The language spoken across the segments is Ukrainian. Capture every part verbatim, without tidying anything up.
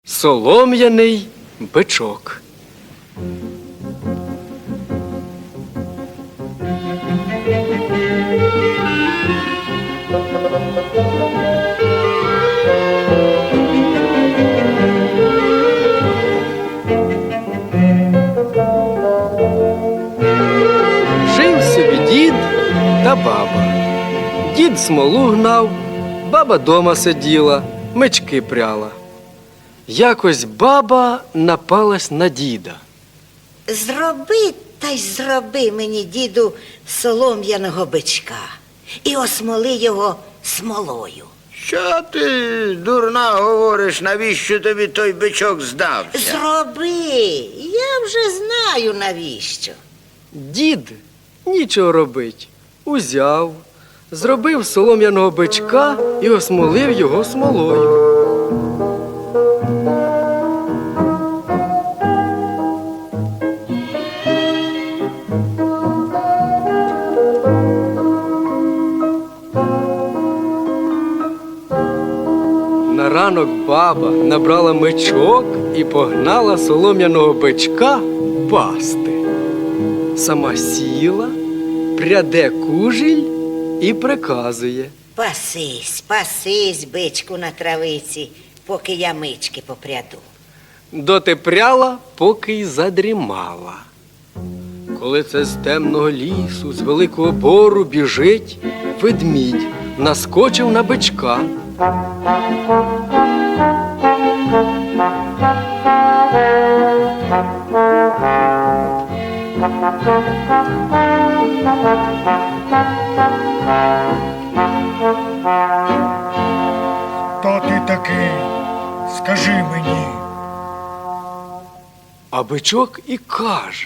Солом'яний бичок. Жив собі дід та баба. Дід смолу гнав, баба дома сиділа, мечки пряла. Якось баба напалась на діда. Зроби та й зроби мені, діду, солом'яного бичка і осмоли його смолою. Що ти, дурна, говориш, навіщо тобі той бичок здався? Зроби, я вже знаю навіщо. Дід нічого робить. Узяв, зробив солом'яного бичка і осмолив його смолою. На ранок баба набрала мечок і погнала солом'яного бичка пасти. Сама сіла, пряде кужіль і приказує. Пасись, пасись, бичку на травиці, поки я мички попряду. Доти пряла, поки й задрімала. Коли це з темного лісу, з великого бору біжить ведмідь, наскочив на бичка. Хто ти такий? Скажи мені. А бичок і каже.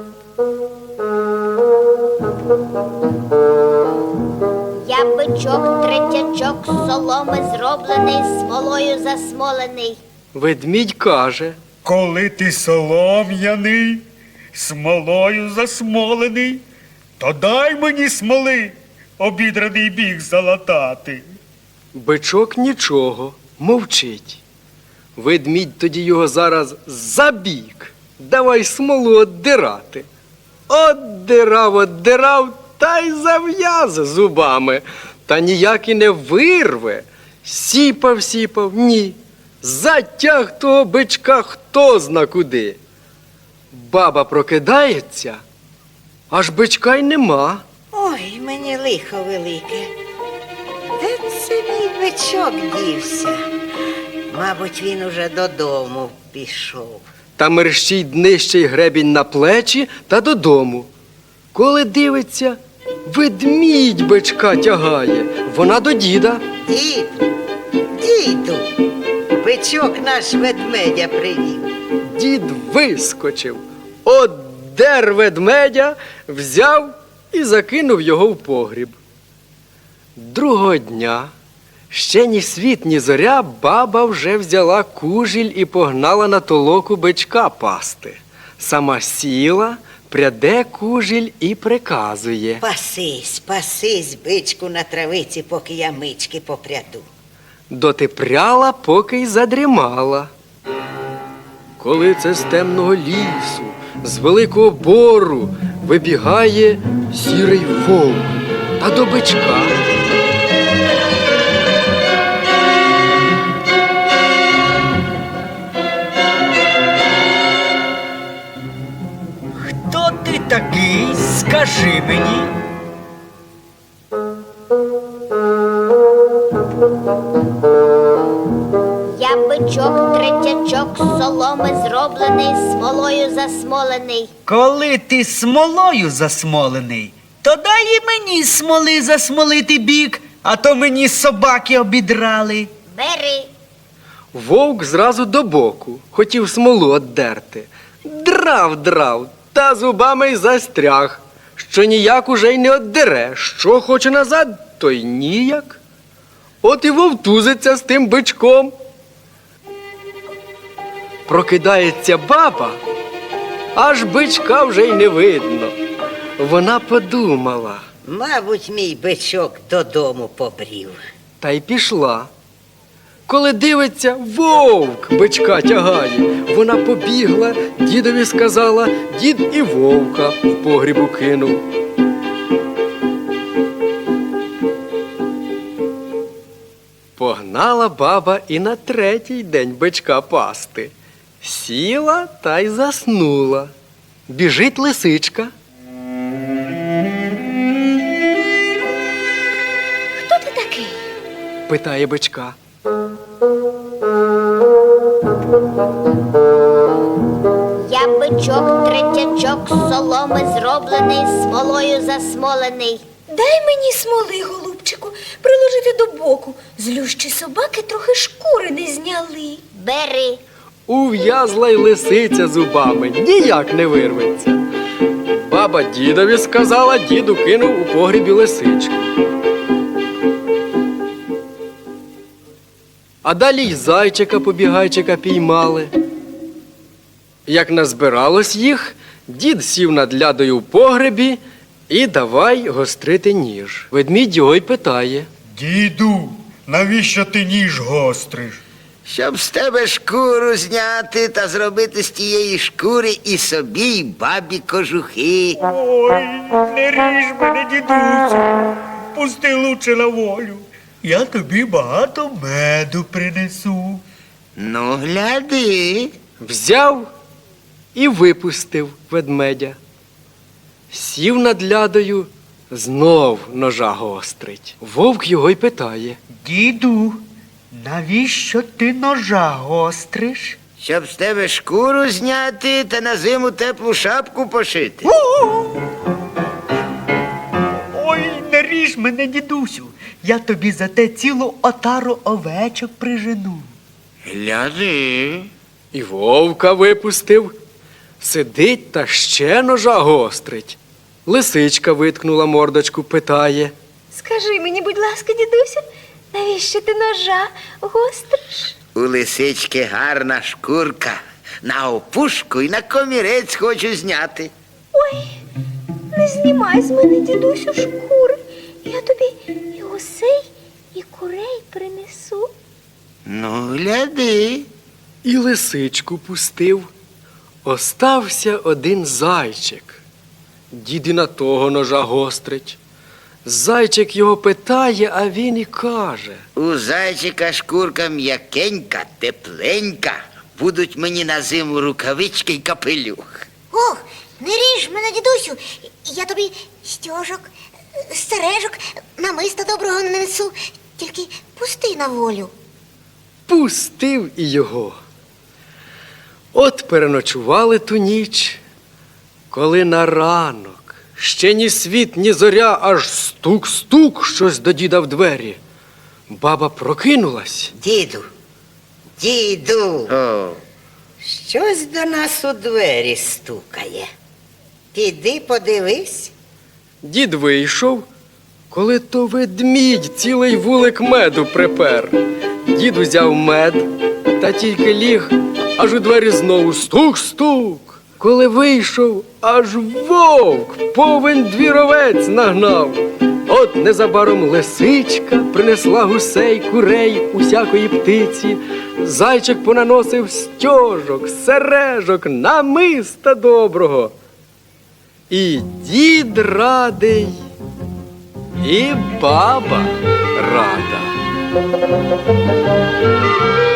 Я бичок, третячок, з соломи зроблений, смолою засмолений. Ведмідь каже. Коли ти солом'яний, смолою засмолений, то дай мені смоли, обідраний біг залатати. Бичок нічого, мовчить. Ведмідь тоді його зараз забік. Давай смолу оддирати. Оддирав, оддирав, та й зав'яз зубами. Та ніяк і не вирве. Сіпав, сіпав, ні. Затяг того бичка хто зна куди. Баба прокидається, аж бичка й нема. Ой, мені лихо велике. Де це мій бичок дівся? Мабуть, він уже додому пішов. Та мерщій днищий гребінь на плечі та додому. Коли дивиться, ведмідь бичка тягає, вона до діда. Дід, діду, бичок наш ведмедя привів. Дід вискочив, оддер ведмедя, взяв і закинув його в погріб. Другого дня, ще ні світ, ні зоря, баба вже взяла кужіль і погнала на толоку бичка пасти. Сама сіла, пряде кужіль і приказує. Пасись, пасись, бичку на травиці, поки я мички попряду. Доти пряла, поки й задрімала. Коли це з темного лісу, з великого бору вибігає сірий вовк та до бичка. Хто ти такий, скажи мені? Я бичок, третячок, з соломи зроблений, смолою засмолений. Коли ти смолою засмолений, то дай і мені смоли засмолити бік, а то мені собаки обідрали. Бери. Вовк зразу до боку, хотів смолу оддерти. Драв, драв, та зубами й застряг, що ніяк уже й не оддере, що хоче назад, то й ніяк. От і вовтузиться з тим бичком. Прокидається баба, аж бичка вже й не видно. Вона подумала. Мабуть, мій бичок додому побрів. Та й пішла. Коли дивиться, вовк бичка тягає. Вона побігла, дідові сказала, дід і вовка в погрібу кинув. Погнала баба і на третій день бичка пасти. Сіла та й заснула. Біжить лисичка. Хто ти такий? Питає бичка. Я бичок, третячок, з соломи зроблений, смолою засмолений. Дай мені смоли, голубчику, приложити до боку. Злющі собаки трохи шкури не зняли. Бери. Ув'язла й лисиця зубами, ніяк не вирветься. Баба дідові сказала, діду кинув у погрібі лисичку. А далі й зайчика-побігайчика піймали. Як назбиралось їх, дід сів над лядою в погребі і давай гострити ніж. Ведмідь його й питає. Діду, навіщо ти ніж гостриш? Щоб з тебе шкуру зняти та зробити з тієї шкури і собі, і бабі кожухи. Ой, не ріж мене, дідусю. Пусти лучше на волю. Я тобі багато меду принесу. Ну, гляди. Взяв і випустив ведмедя. Сів над лядою, знов ножа гострить. Вовк його й питає. Діду, навіщо ти ножа гостриш? Щоб з тебе шкуру зняти та на зиму теплу шапку пошити. Ой, не ріж мене, дідусю. Я тобі за те цілу отару овечок прижену. Гляди. І вовка випустив. Сидить та ще ножа гострить. Лисичка виткнула мордочку, питає. Скажи мені, будь ласка, дідусю, навіщо ти ножа гостриш? У лисички гарна шкурка. На опушку і на комірець хочу зняти. Ой, не знімай з мене, дідусю, шкури. Я тобі і гусей, і курей принесу. Ну, гляди. І лисичку пустив. Остався один зайчик. Дід і на того ножа гострить. Зайчик його питає, а він і каже. У зайчика шкурка м'якенька, тепленька. Будуть мені на зиму рукавички й капелюх. Ох, не ріж мене, дідусю. Я тобі стьожок, сережок, намиста доброго не несу. Тільки пусти на волю. Пустив і його. От переночували ту ніч, коли на ранок ще ні світ, ні зоря, аж стук-стук щось до діда в двері. Баба прокинулась. Діду, діду, О, щось до нас у двері стукає. Піди подивись. Дід вийшов, коли то ведмідь цілий вулик меду припер. Дід узяв мед та тільки ліг, аж у двері знову стук-стук. Коли вийшов, аж вовк повен двіровець нагнав. От незабаром лисичка принесла гусей, курей, усякої птиці. Зайчик понаносив стьожок, сережок, намиста доброго. І дід радий, і баба рада.